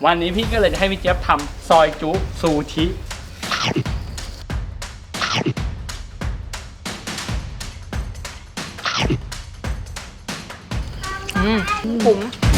วันนี้พี่ก็เลยจะให้พี่เจี๊ยบทำซอยจุซูชิผม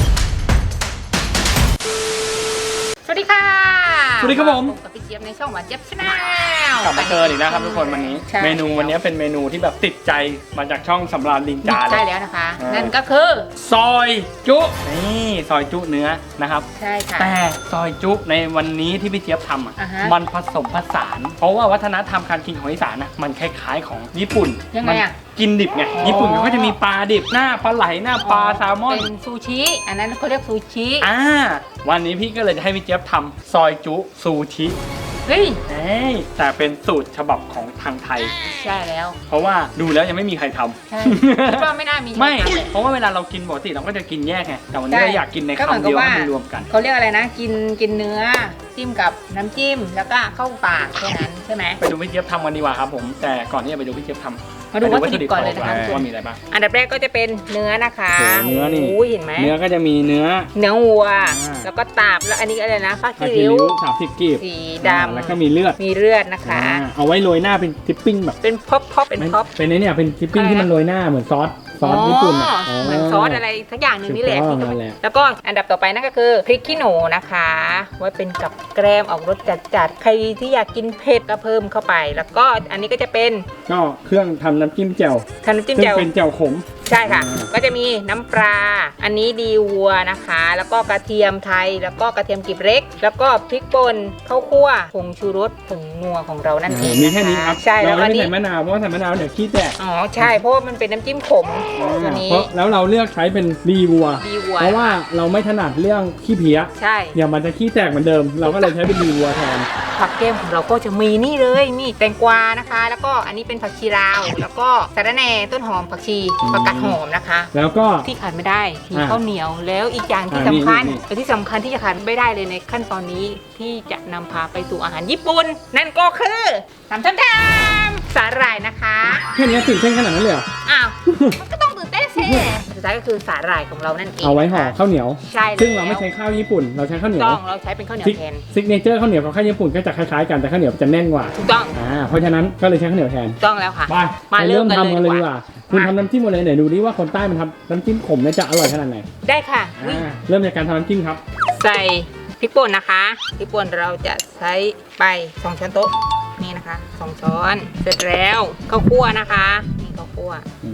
สวัสดีค่ะสวัสดีครับผมกับพี่เจี๊ยบในช่องหวานเจี๊ยบชาแนลกลับมาเจออีกนะครับทุกคนวันนี้เมนูวันนี้เป็นเมนูที่แบบติดใจมาจากช่องสำราญลิงจาเลยใช่แล้วนะคะนั่นก็คือซอยจุนี่ซอยจุเนื้อนะครับใช่ค่ะแต่ซอยจุในวันนี้ที่พี่เจี๊ยบทำมันผสมผสานเพราะว่าวัฒนธรรมการกินของอีสานมันคล้ายๆของญี่ปุ่นยังไงอ่ะกินดิบไงญี่ปุ่นเขาจะมีปลาดิบหน้าปลาไหลหน้าปลาแซลมอนเป็นซูชิอันนั้นเขาเรียกซูชิวันนี้พี่ก็เลยจะให้พี่เจี๊ยบทำซอยจุซูชิเฮ้ยแต่เป็นสูตรฉบับของทางไทยใช่แล้วเพราะว่าดูแล้วยังไม่มีใครทำใช่คิดว่าไม่น่ามีไม่เพราะว่าเวลาเรากินปกติเราก็จะกินแยกไงแต่วันนี้เราอยากกินในคำเดียวให้มันรวมกันเขาเรียกอะไรนะกินเนื้อจิ้มกับน้ำจิ้มแล้วก็เข้าปากแค่นั้นใช่ไหมไปดูพี่เจี๊ยบทำกันดีกว่าครับผมแต่ก่อนที่จะไปดูพี่เจี๊ยบทำมาดูวัตถุดิบก่อนเลยนะคะว่ามีอะไรบ้างอันดับแรกก็จะเป็นเนื้อนะคะเนื้อนี่เห็นไหมเนื้อก็จะมีเนื้อวัวแล้วก็ตับแล้วอันนี้อะไรนะผ้าคีริ้ว 30กีบสีดำแล้วก็มีเลือดนะคะเอาไว้โรยหน้าเป็นทิปปิ้งแบบเป็นพ็อปเป็นเนี่ยเป็นทิปปิ้งที่มันโรยหน้าเหมือนซอสญี่ปุ่นเหมือนซอสอะไรสักอย่างหนึ่งนี่แหละแล้วก็อันดับต่อไปนั่นก็คือพริกขี้หนูนะคะไว้เป็นกับแกล้มออกรสจัดๆใครที่อยากกินเผ็ดก็เพิ่มเข้าไปแล้วก็อันนี้ก็จะเป็นก็เครื่องทำน้ำจิ้มแจ่วเป็นแจ่วขมใช่ค่ะก็จะมีน้ำปลาอันนี้ดีวัวนะคะแล้วก็กระเทียมไทยแล้วก็กระเทียมกลีบเล็กแล้วก็พริกป่นข้าวคั่วผงชูรสผงนัวของเรานั่นเองมีแค่นี้ครับใช่แล้วก็ไม่ใส่มะนาวเพราะใส่มะนาวเดี๋ยวขี้แตกใช่เพราะมันเป็นน้ำจิ้มขมตัวนี้แล้วเราเลือกใช้เป็นดีวัวเพราะว่าเราไม่ถนัดเรื่องขี้เพี้ยใช่อย่ามันจะขี้แตกเหมือนเดิมเราก็เลยใช้เป็นดีวัวแทนผักแก้มของเราก็จะมีนี่เลยนี่แตงกวานะคะแล้วก็อันนี้เป็นผักชีลาวแล้วก็สะระแหน่ต้นหอมผักชีผักกาดหอมนะคะแล้วก็ที่ขาดไม่ได้มีข้าวเหนียวแล้วอีกอย่างที่สำคัญที่จะขาดไม่ได้เลยในขั้นตอนนี้ที่จะนำพาไปสู่อาหารญี่ปุ่นนั่นก็คือทำสาหร่ายนะคะแค่นี้ตื่นเต้นขนาดนั้นเลยเหรออ้าวมันก็ต้องตื่นเต้นสิสุดท้ายก็คือสาหร่ายของเรานั่นเองเอาไว้ห่อข้าวเหนียวใช่ซึ่งเราไม่ใช้ข้าวญี่ปุ่นเราใช้ข้าวเหนียวเราใช้เป็นข้าวเหนียวแทนซิกเนเจอร์ข้าวเหนียวกับข้าวญี่ปุ่นก็จะคล้ายๆกันแต่ข้าวเหนียวจะแน่นกว่าถูกต้องเพราะฉะนั้นก็เลยใช้ข้าวเหนียวแทนต้องแล้วค่ะมาเริ่มทำกันเลยดีกว่าคุณทำน้ำจิ้มอะไรไหนดูดิว่าคนใต้มันทำน้ำจิ้มขมจะอร่อยขนาดไหนได้ค่ะเริ่มจากการทำน้ำจิ้มครับใส่พริกป่นนะคะพริกป่นเราจะใช้ไป2 ช้อนโต๊ะนี่นะคะ2 ช้อนเสร็จแล้วข้าวคั่วนะคะนี่ข้าวคั่ว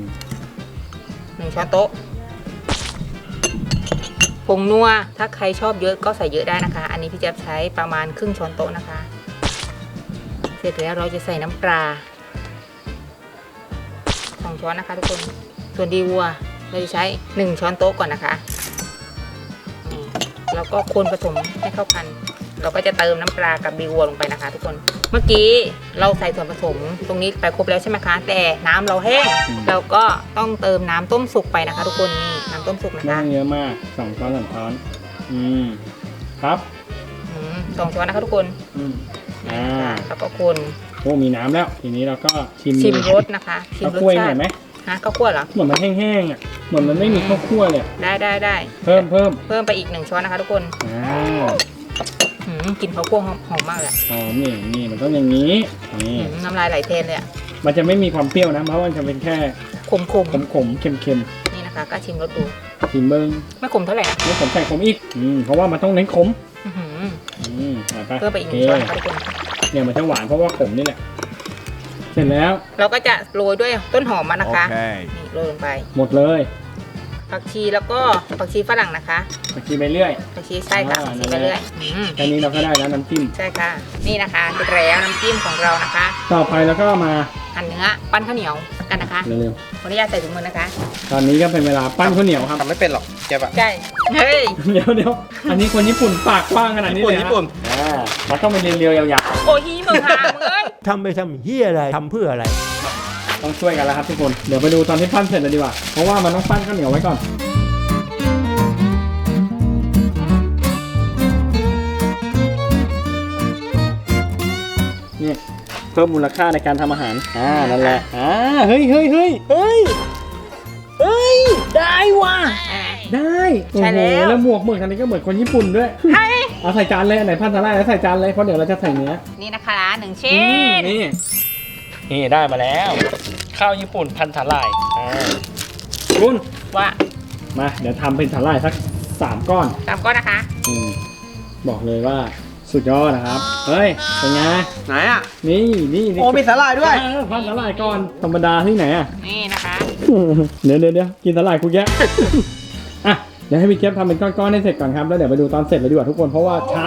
1 ช้อนโต๊ะผงนัวถ้าใครชอบเยอะก็ใส่เยอะได้นะคะอันนี้พี่จะใช้ประมาณครึ่งช้อนโต๊ะนะคะเสร็จแล้วเราจะใส่น้ำปลา2 ช้อนนะคะทุกคนส่วนดีวัวเราจะใช้1 ช้อนโต๊ะก่อนนะคะแล้วก็คนผสมให้เข้ากันเราก็จะเติมน้ำปลากับดีวัวลงไปนะคะทุกคนเมื่อกี้เราใส่ส่วนผสมตรงนี้ไปครบแล้วใช่ไหมคะแต่น้ำเราแห้งเราก็ต้องเติมน้ำต้มสุกไปนะคะทุกคนนี่น้ำต้มสุกนะคะเยอะมาก2 ช้อน3 ช้อนครับ 2 ช้อนนะคะทุกคนแล้วก็คนมีน้ำแล้วทีนี้เราก็ชิมรสนะคะชิมรสชาติไหมข้าวคั่วเหรอเหมือนมันแห้งๆเหมือนมันไม่มีข้าวคั่วเลยได้เพิ่มไปอีก1 ช้อนนะคะทุกคนกลิ่นข้าวคั่วหอมมากเลยหอมนี่มันต้องอย่างนี้นี่น้ำลายไหลแทนเลยมันจะไม่มีความเปรี้ยวนะเพราะมันจะเป็นแค่ขมเค็มนี่นะคะก็ชิมรสดูชิมเบิ้งไม่ขมเท่าไหร่นะไม่ขมใส่ขมอีกเพราะว่ามันต้องเน้นขมเพิ่มไปอีก1 ช้อนนะคะทุกคนเนี่ยมันจะหวานเพราะว่าขมนี่แหละเสร็จแล้วเราก็จะโรยด้วยต้นหอมมันนะคะนี่โรยลงไปหมดเลยผักชีแล้วก็ผักชีฝรั่งนะคะผักชีใบเลื่อยผักชีใช่ค่ะผักชีใบเลื่อยแค่นี้เราก็ได้แล้วน้ำจิ้มใช่ค่ะนี่นะคะเสร็จแล้วน้ำจิ้มของเรานะคะต่อไปแล้วก็มาหั่นเนื้อปั้นข้าวเหนียวกันนะคะเร็วขออนุญาตใส่ถุงมือนะคะตอนนี้ก็เป็นเวลาปั้นข้าวเหนียวครับทำไม่เป็นหรอกแกปะใช่เฮ้ยเดี๋ยวอันนี้คนญี่ปุ่นปากกว้างขนาดนี้เลยญี่ปุ่นมันต้องเป็นเรียวๆยาวๆโอ้ยมึงหามึงเลยทำไปทำเฮียอะไรทำเพื่ออะไรต้องช่วยกันแล้วครับทุกคนเดี๋ยวไปดูตอนที่ปั้นเสร็จเลยดีกว่าเพราะว่ามันต้องปั้นข้าวเหนียวไว้ก่อนนี่เพิ่มมูลค่าในการทำอาหารนั่นแหละเฮ้ยได้ว่ะได้โอ้โหแล้วหมวกเหมือนกันนี่ก็เหมือนคนญี่ปุ่นด้วยเอาใส่จานเลยอันไหนพันสาหร่ายแล้วใส่จานเลยเพราะเดี๋ยวเราจะใส่เนื้อนี่นะคะ1 ชิ้นนี่ได้มาแล้ว ข้าวญี่ปุ่นพันสาหร่ายคุณว่ามาเดี๋ยวทำเป็นสาหร่ายสัก3 ก้อนตามก้อนนะคะบอกเลยว่าสุดยอดนะครับเฮ้ยเป็นไงไหนอ่ะนี่โอ้มีสาหร่ายด้วยพันสาหร่ายก่อนธรรมดาที่ไหนอ่ะนี่นะคะเดี๋ยวกินสาหร่ายกูแยะ อ่ะเดี๋ยวให้พี่เจี๊ยบทำเป็นก้อนๆให้เสร็จก่อนครับแล้วเดี๋ยวไปดูตอนเสร็จเลยดีกว่าทุกคนเพราะว่าช้า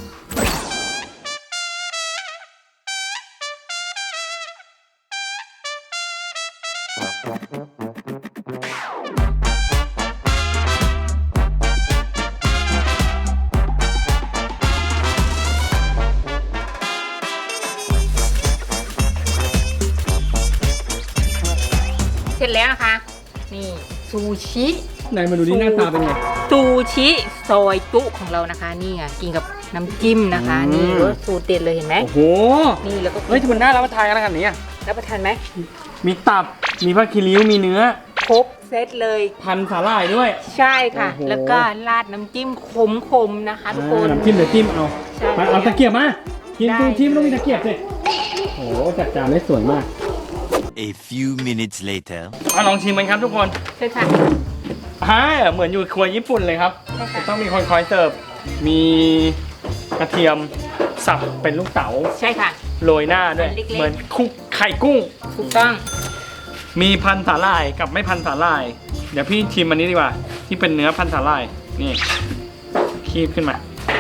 เสร็จแล้วนะคะ นี่ซูชิไหนมาดูดิหน้าตาเป็นไงซูชิซอยจุของเรานะคะ นี่ไงกินกับน้ำจิ้มนะคะอืมนี่รสสูตรเด็ดเลยเห็นไหมโอ้โหนี่แล้วก็เฮ้ยที่มันน่ารับประทานขนาดนี้อ่ะรับประทานไหมมีตับมีผ้าคีริ้วมีเนื้อครบเซตเลยพันสาหร่ายด้วยใช่ค่ะโอ้โหแล้วก็ราดน้ำจิ้มขมๆนะคะทุกคนน้ำจิ้มเดี๋ยวจิ้มเอาใช่ไปเอาตะเกียบมากินได้ซูชิไม่ต้องมีตะเกียบสิโอ้โหจัดจานได้สวยมาก A few minutes later. มาลองชิมกันครับทุกคนใช่ค่ะเหมือนอยู่ครัวญี่ปุ่นเลยครับใช่ค่ะต้องมีคนคอยเสิร์ฟมีกระเทียมสับเป็นลูกเต๋าใช่ค่ะโรยหน้าด้วยเล็กๆเหมือนคุกไข่กุ้งถูกต้องมีพันสาหร่ายกับไม่พันสาหร่าย เดี๋ยวพี่ชิมอันนี้ดีกว่า ที่เป็นเนื้อพันสาหร่ายนี่คีบขึ้นมา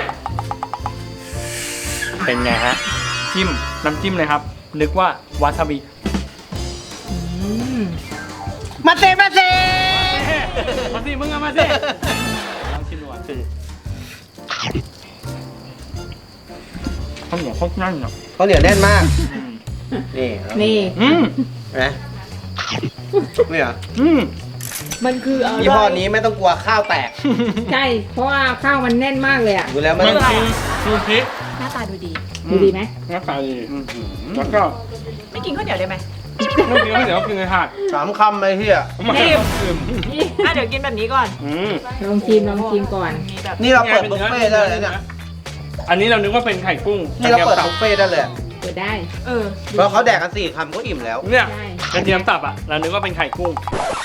เป็นไงฮะจิ้มน้ำจิ้มเลยครับ นึกว่าวาซาบิมาเซมาเซมาสิมึงอะมาสิลองชิมดูอ่ะข้าวเหนียวข้าวนั่นเนาะเขาเหนียวแน่นมาก นี่ครับนี่อืมเห็นไหมนี่เหรออืมมันคืออะไรยี่ห้อนี้ไม่ต้องกลัวข้าวแตกใช่ เพราะว่าข้าวมันแน่นมากเลยอ่ะดูแล้วไม่มันต้องคือซูชิหน้าตาดูดี ดูดีไหมหน้าตาดีแล้วก็ไม่กินข้าวเหนียวได้ไหมไม่กินไม่เดี๋ยวกินเลยหาด 3 คำเลยเฮียไม่นี่ดื่มเดี๋ยวกินแบบนี้ก่อนอืมลองชิมก่อนนี่เราเปิดบุฟเฟ่ต์ได้เลยเนี่ยอันนี้เรานึกว่าเป็นไข่กุ้งนี่เราเปิดบุฟเฟ่ต์ได้เลยเปิดได้เพราะเขาแดกกัน4 คำก็อิ่มแล้วเนี่ยใช่กระเทียมสับอ่ะเรานึกว่าเป็นไข่กุ้ง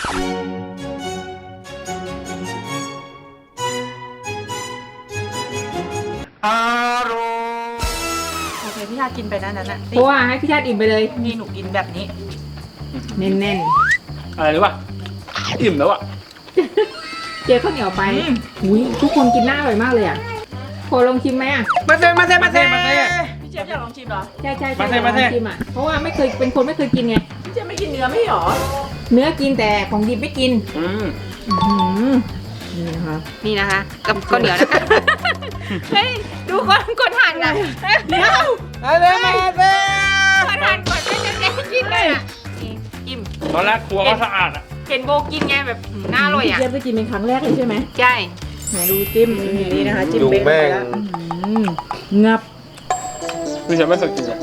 โอเคพี่ชาติกินไปนั้นน่ะเพราะว่าให้พี่ชาติอิ่มไปเลยนี่หนูกินแบบนี้แน่นอะไรรู้ป่ะอิ่มแล้วอ่ะๆ เจอข้าวเหนียวไปหุยทุกคนกินหน้าอร่อยมากเลยอ่ะพอลองชิมไหมอ่ะมาเซมาเซมาเซพี่เจี๊ยบอยากลองชิมเหรอใช่ใช่มาใช่เถอะมาเถลอะองชิมอ่ะ เพราะว่าไม่เคยเป็นคนไม่เคยกินไงพี่เจี๊ยบไม่กินเนื้อไม่หรอเนื้อกินแต่ของดิบไม่กินอืมนี่นะคะกับข้าวเหนียวนะคะ เฮ้ย ดูคนหั่นอ่ะเดี๋ยวมาเซมาเซคนหั่นก่อนไม่จะแกกินเลยอ่ะนี่จิ้มตอนแรกครัวก็สะอาดอ่ะเห็นโบกินไงแบบน่าอร่อยอ่ะเจี๊ยบไปกินเป็นครั้งแรกเลยใช่ไหมใช่ไหนดูจิ้มนี่นะคะจิ้มดูเบ้งแม่งไปแล้วงับคือฉันไม่เคยกินอ่ะ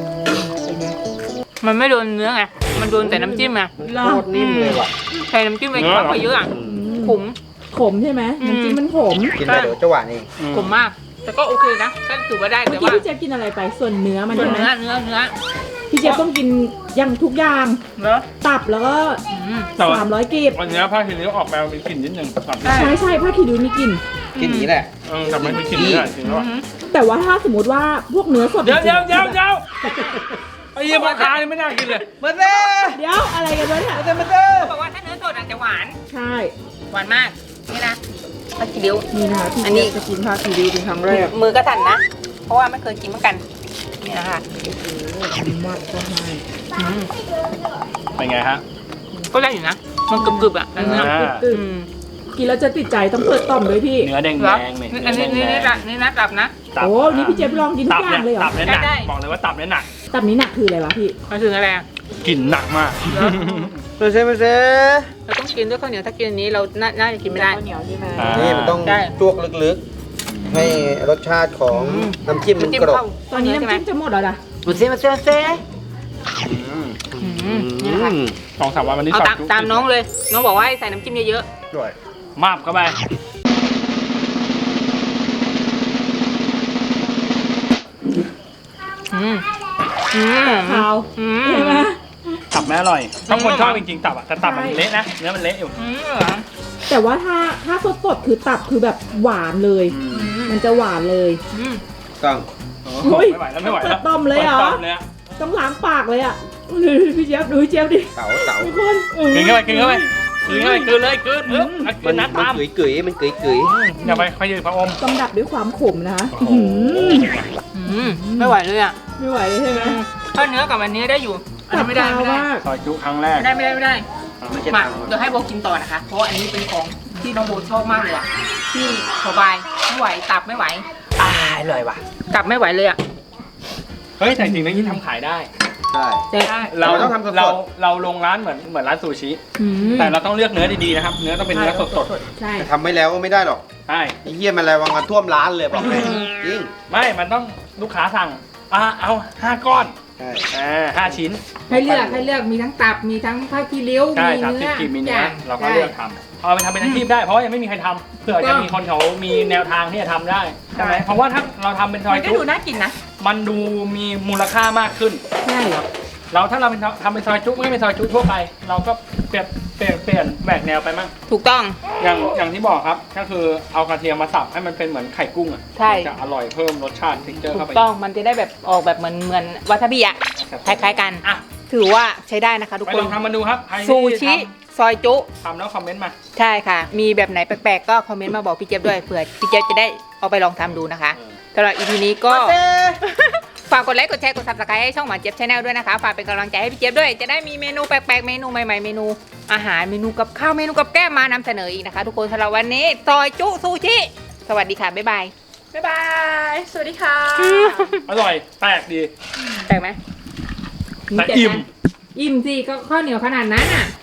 มันไม่โดนเนื้อไง มันโดนแต่น้ำจิ้มไงโคตรนิ่มเลยว่ะใส่น้ำจิ้มไปมากกว่าเยอะอ่ะขมขมใช่ไหมอืมน้ำจิ้มมันขมกินไปเดี๋ยวจะหวานเองขมมาก แต่ก็โอเคนะก็ถือว่าได้เมื่แต่อกี้ว่าพี่เจี๊ยบกินอะไรไปส่วนเนื้อมันส่วนใช่ไหมเนื้อพี่เจี๊ยบต้องกินอย่างทุกอย่างเนื้อตับแล้วก็แต่ว่า 300กีบวันนี้ผ้าคีริ้วออกมามีกลิ่นนิดนึงตับใช่ผ้าขีดูมีกลิ่นกินอย่างนี้แหละแต่ไม่มีกลิ่นนี่แหละจริงแล้วอะแต่ว่าถ้าสมมติว่าพวกเนื้อสดเดี๋ยวจริงๆไอ้เหี้ยพ่อค้านี่ไม่น่ากินเลยมาเซเดี๋ยวอะไรกันวะเนี่ยมาเซมาเซบอกว่าถ้าเนื้อสดอาจจะหวานใช่หวานมาก นี่นะผักชีริ้วนี่นะคะพี่อันนี้เจี๊ยบจะกินผ้าขีดูเป็นครั้งแรกมือก็สั่นนะ เพราะว่าไม่เคยกินเหมือนกัน นี่นะคะมากก็ให้เป็นไงฮะก็ได้อยู่นะ มันกรึบๆอ่ะเนื้อตึ๊บกินแล้วจะติดใจต้องเปิดต่อมด้วยพี่เนื้อแดงเหรอๆเลยอันนี้นี่นะตับนะโอ้นี่พี่เจี๊ยบลองกินทุกอย่างเลยเหรอตับเนี่ยหนักได้บอกเลยว่าตับเนี่ยหนักตับนี้หนักคืออะไรวะพี่มาถึงอะไรอ่ะกลิ่นหนักมากมาเซมาเซเราต้องกินด้วยข้าวเหนียวถ้ากินอันนี้เราน่าจะกินไม่ได้ข้าวเหนียวใช่ไหมอ่านี่มันต้องได้จวกลึกๆ ให้รสชาติของน้ำจิ้มมันจิ้มกรอบเข้าตอนนี้ใช่ไหมน้ำจิ้มจะหมดแล้วนะมาเซมาเซมาเซนี่นะคะ 2-3 วันวันนี้เอาสอบตามน้องเลย น้องบอกว่าให้ใส่น้ำจิ้มเยอะด้วยมาบเข้าไปมอืมขาวอืมใช่ไหมตับไม่อร่อยถ้าคนชอบจริงๆตับอะแต่ตับมันเละนะเนื้อมันเละอยู่อืมแต่ว่าถ้าสดๆคือตับคือแบบหวานเลย มันจะหวานเลยอืมต้องเฮ้ยไม่ไหวแล้วไม่ไหวแล้วต้มเลยเหรอต้มเลยอะต้องล้างปากเลยอ่ะดูพี่เจี๊ยบดูพี่เจี๊ยบดิเต๋าทุกคนอื้อกินเข้าไปกินเข้าไปกินเข้าไปกินเลยกินกินน้ำตามมันกึ๋ยมันกึ๋ยอย่าไปค่อยยืนพระอมต้องดับด้วยความขมนะคะโอ้โหอืมไม่ไหวเลยอ่ะไม่ไหวเลยใช่ไหมถ้าเนื้อกับอันนี้ได้อยู่อันนี้ไม่ได้ขาวไม่ได้มากซอยจุครั้งแรกไม่ได้ไม่ได้ไม่ได้ไม่ใช่มาทางเดี๋ยวให้โบกินต่อนะคะ เพราะว่าอันนี้เป็นของที่น้องโบชอบมากเลยอ่ะที่สบายไม่ไหวตับไม่ไหวอร่อยว่ะตับไม่ไหวเลยอ่ะเฮ้ยแต่จริงๆนี่ทำขายได้ใช่เราเราต้องทำสดๆเราลงร้านเหมือนร้านซูชิอืมแต่เราต้องเลือกเนื้อดีๆนะครับ เนื้อต้องเป็นเนื้อสดใช่แต่ทำไม่แล้วก็ไม่ได้หรอกๆใช่ไอ้เหี้ยมันอะไรวางมาท่วมร้านเลยบอกเลยจริงไม่มันต้องลูกค้าสั่งเอา5 ก้อนใช่ 5 ชิ้นให้เลือกมีทั้งตับมีทั้งผ้าคีริ้วใช่มี 30 เนื้อกี่มีเนื้ออย่างเราก็เลือกทำเอาไปทำเป็นอาชีพได้เพราะว่ายังไม่มีใครทำเผื่อจะมีคนเขามีแนวทางที่จะทำได้ใช่ไหมเพราะว่าถ้าเราทำเป็นซอมัยนก็จุดูน่ากินนะมันดูมีมูลค่ามากขึ้นใช่ถ้าเราทำเป็นซอยจุไม่เป็นซอยจุทั่วไป เราก็เปลี่ยนแหวกแนวไปมั่งถูกต้องอย่างที่บอกครับก็คือเอากระเทียมมาสับให้มันเป็นเหมือนไข่กุ้งอ่ะใช่จะอร่อยเพิ่มรสชาติทิกเจอร์ถูเข้าก ไปต้องมันจะได้แบบออกแบบเหมือนวาซาบิอะคล้ายๆกันอ่ะถือว่าใช้ได้นะคะทุกไปคลนองทำมาดูครับใครที่ซูชิซอยจุทำแล้วคอมเมนต์มาใช่ค่ะ มีแบบไหนแปลกๆก็คอมเมนต์มาบอกพี่เจี๊ยบด้วยเผื่อพี่เจี๊ยบจะได้เอาไปลองทำดูนะคะสำหรับ EP นี้ก็ ฝากกดไลค์กดแชร์กด subscribe ให้ช่องหวานเจี๊ยบชาแนลด้วยนะคะฝากเป็นกำลังใจให้พี่เจี๊ยบด้วยจะได้มีเมนูแปลกๆเมนูใหม่ๆเมนูอาหารเมนูกับข้าวเมนูกับแก้มมานำเสนออีกนะคะทุกคนสำหรับวันนี้ซอยจุซูชิสวัสดีค่ะบ๊ายบายบ๊ายบาย สวัสดีค่ะอร่อยแปลกดีแปลกไหมแต่อิ่มอิ่มสิก็ข้าวเหนียวขนาดนั้นอ่ะ